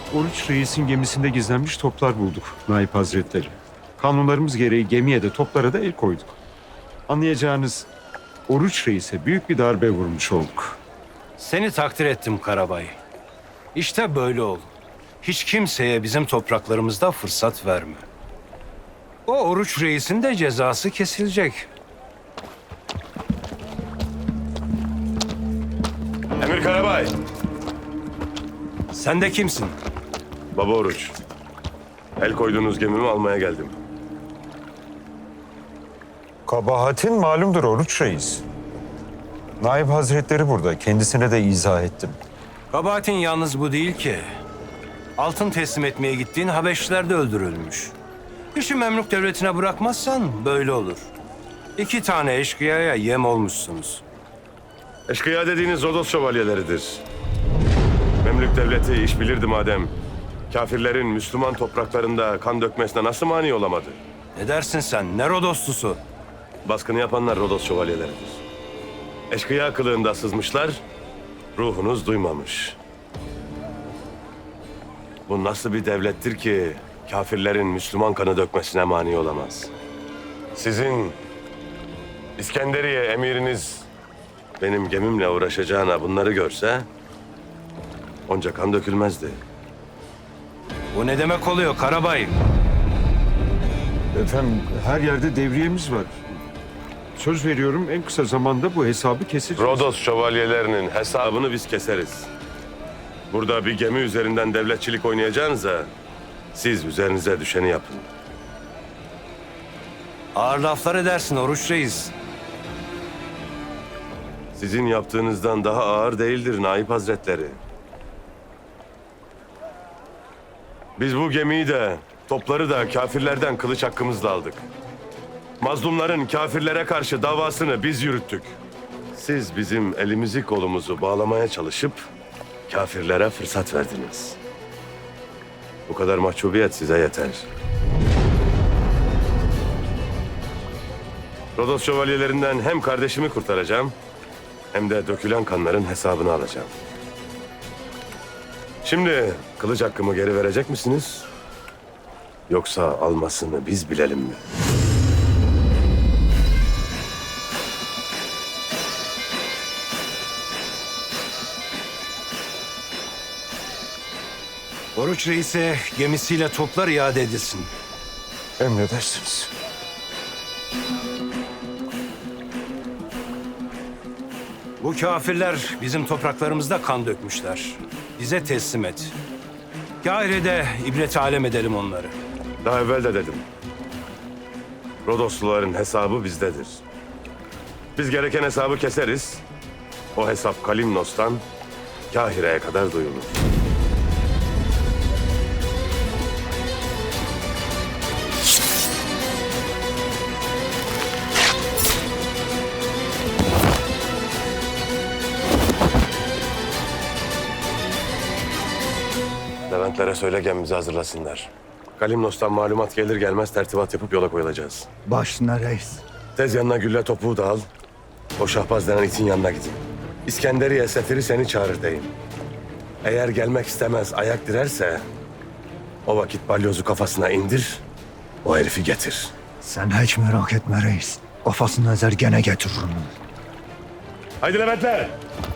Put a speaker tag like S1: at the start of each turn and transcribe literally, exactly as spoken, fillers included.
S1: Oruç Reis'in gemisinde gizlenmiş toplar bulduk Naip Hazretleri. Kanunlarımız gereği gemiye de toplara da el koyduk. Anlayacağınız Oruç Reis'e büyük bir darbe vurmuş olduk.
S2: Seni takdir ettim Karabay. İşte böyle ol. Hiç kimseye bizim topraklarımızda fırsat verme. O Oruç Reis'in de cezası kesilecek.
S3: Emir Karabay.
S2: Sen de kimsin?
S3: Baba Oruç. El koyduğunuz gemimi almaya geldim.
S1: Kabahatin malumdur Oruç Reis. Naip Hazretleri burada. Kendisine de izah ettim.
S2: Kabahatin yalnız bu değil ki. Altın teslim etmeye gittiğin Habeşliler de öldürülmüş. İşi Memlük devletine bırakmazsan böyle olur. İki tane eşkıyaya yem olmuşsunuz.
S3: Eşkıya dediğiniz Rodos şövalyeleridir. Memlük devleti iş bilirdi madem. Kafirlerin Müslüman topraklarında kan dökmesine nasıl mani olamadı?
S2: Ne dersin sen? Ne Rodoslusu?
S3: Baskını yapanlar Rodos şövalyeleridir. Eşkıya kılığında sızmışlar, ruhunuz duymamış. Bu nasıl bir devlettir ki kafirlerin Müslüman kanı dökmesine mani olamaz? Sizin İskenderiye emiriniz benim gemimle uğraşacağına bunları görse onca kan dökülmezdi.
S2: Bu ne demek oluyor Karabay?
S1: Efendim her yerde devriyemiz var. Söz veriyorum en kısa zamanda bu hesabı keseceğiz.
S3: Rodos şövalyelerinin hesabını biz keseriz. Burada bir gemi üzerinden devletçilik oynayacağınıza siz üzerinize düşeni yapın.
S2: Ağır laflar edersin Oruç Reis.
S3: Sizin yaptığınızdan daha ağır değildir Naip Hazretleri. Biz bu gemiyi de, topları da kafirlerden kılıç hakkımızla aldık. Mazlumların kafirlere karşı davasını biz yürüttük. Siz bizim elimizi kolumuzu bağlamaya çalışıp kafirlere fırsat verdiniz. Bu kadar mahcubiyet size yeter. Rodos şövalyelerinden hem kardeşimi kurtaracağım hem de dökülen kanların hesabını alacağım. Şimdi kılıç hakkımı geri verecek misiniz? Yoksa almasını biz bilelim mi?
S2: Oruç Reis'e gemisiyle toplar iade edilsin.
S1: Emredersiniz.
S2: Bu kafirler bizim topraklarımızda kan dökmüşler. Bize teslim et. Kahire'de ibret alem edelim onları.
S3: Daha evvel de dedim. Rodosluların hesabı bizdedir. Biz gereken hesabı keseriz. O hesap Kalimnos'tan Kahire'ye kadar duyulur. Leventlere söyle gemimizi hazırlasınlar. Kalimnos'tan malumat gelir gelmez tertibat yapıp yola koyulacağız.
S4: Başına reis.
S3: Tez yanına gülle topuğu da al. O Şahbaz denen itin yanına gidin. İskenderiye sefiri seni çağırır deyin. Eğer gelmek istemez ayak direrse o vakit balyozu kafasına indir, o herifi getir.
S4: Sen hiç merak etme reis. Kafasını ezer gene getiririm.
S3: Haydi Leventler!